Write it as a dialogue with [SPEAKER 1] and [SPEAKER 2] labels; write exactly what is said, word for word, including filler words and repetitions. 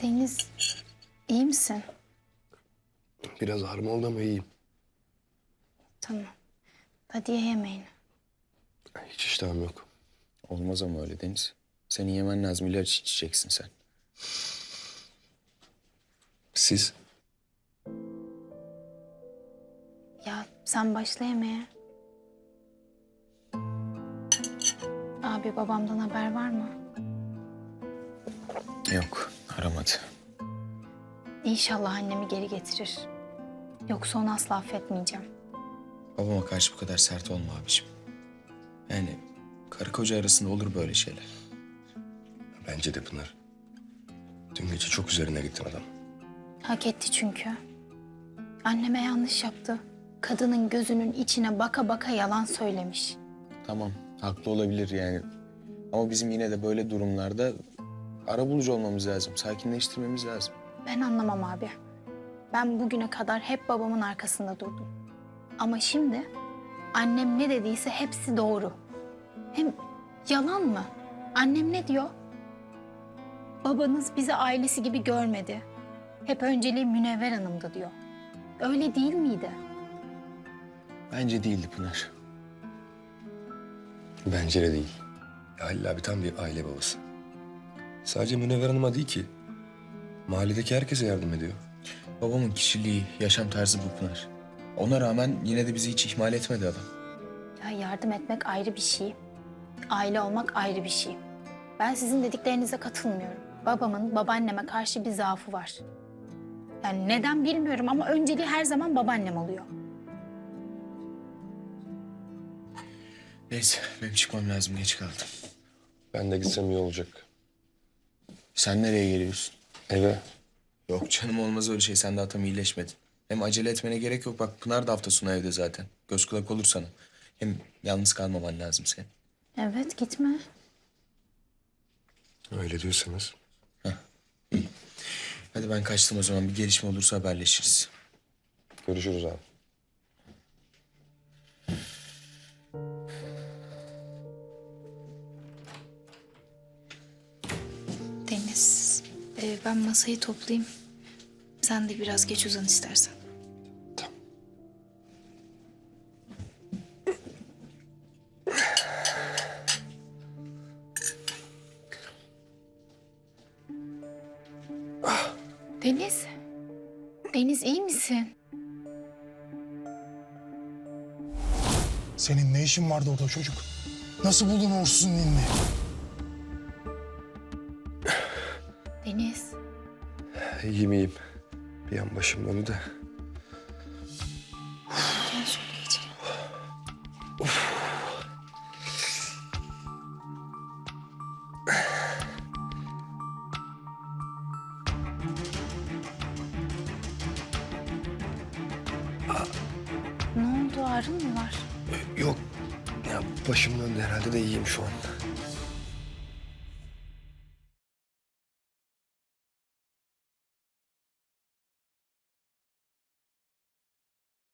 [SPEAKER 1] Deniz, iyi misin?
[SPEAKER 2] Biraz ağrım oldu ama iyiyim.
[SPEAKER 1] Tamam. Hadi ye yemeğini.
[SPEAKER 2] Hiç iştahım yok.
[SPEAKER 3] Olmaz ama öyle Deniz. Senin yemen lazım. İlaç içeceksin sen.
[SPEAKER 2] Siz?
[SPEAKER 1] Ya sen başla yemeğe. Abi babamdan haber var mı?
[SPEAKER 3] Yok, aramadı.
[SPEAKER 1] İnşallah annemi geri getirir. Yoksa onu asla affetmeyeceğim.
[SPEAKER 3] Babama karşı bu kadar sert olma abiciğim. Yani karı koca arasında olur böyle şeyler.
[SPEAKER 2] Bence de Pınar. Dün gece çok üzerine gittin adam.
[SPEAKER 1] Hak etti çünkü. Anneme yanlış yaptı. Kadının gözünün içine baka baka yalan söylemiş.
[SPEAKER 3] Tamam, haklı olabilir yani. Ama bizim yine de böyle durumlarda arabulucu olmamız lazım. Sakinleştirmemiz lazım.
[SPEAKER 1] Ben anlamam abi. Ben bugüne kadar hep babamın arkasında durdum. Ama şimdi annem ne dediyse hepsi doğru. Hem yalan mı? Annem ne diyor? Babanız bizi ailesi gibi görmedi. Hep önceliği Münevver Hanım'dı diyor. Öyle değil miydi?
[SPEAKER 3] Bence değildi Pınar.
[SPEAKER 2] Bence de değil. Ya Halil abi tam bir aile babası. Sadece Münevver Hanım'a değil ki. Mahalledeki herkese yardım ediyor.
[SPEAKER 3] Babamın kişiliği, yaşam tarzı bu Pınar. Ona rağmen yine de bizi hiç ihmal etmedi adam.
[SPEAKER 1] Ya yardım etmek ayrı bir şey. Aile olmak ayrı bir şey. Ben sizin dediklerinize katılmıyorum. Babamın babaanneme karşı bir zaafı var. Yani neden bilmiyorum ama önceliği her zaman babaannem oluyor.
[SPEAKER 3] Neyse, benim çıkmam lazım. Geç kaldım.
[SPEAKER 2] Ben de gitsem iyi olacak.
[SPEAKER 3] Sen nereye geliyorsun?
[SPEAKER 2] Eve.
[SPEAKER 3] Yok canım, olmaz öyle şey. Sen daha tam iyileşmedin. Hem acele etmene gerek yok. Bak Pınar da hafta sonu evde zaten. Göz kulak olur sana. Hem yalnız kalmaman lazım senin.
[SPEAKER 1] Evet gitme.
[SPEAKER 2] Öyle diyorsanız.
[SPEAKER 3] Hadi ben kaçtım o zaman. Bir gelişme olursa haberleşiriz.
[SPEAKER 2] Görüşürüz abi.
[SPEAKER 1] Deniz, e, ben masayı toplayayım. Sen de biraz geç uzan istersen.
[SPEAKER 2] Tamam.
[SPEAKER 1] Deniz, Deniz iyi misin?
[SPEAKER 4] Senin ne işin vardı orada çocuk? Nasıl buldun uğursuzun ninni?
[SPEAKER 1] Deniz,
[SPEAKER 2] İyiyim iyiyim. Bir an başım döndü de.
[SPEAKER 1] gel şöyle geçelim. Ne oldu, ağrın mı var?
[SPEAKER 2] Yok. Ya başım döndü herhalde de iyiyim şu an.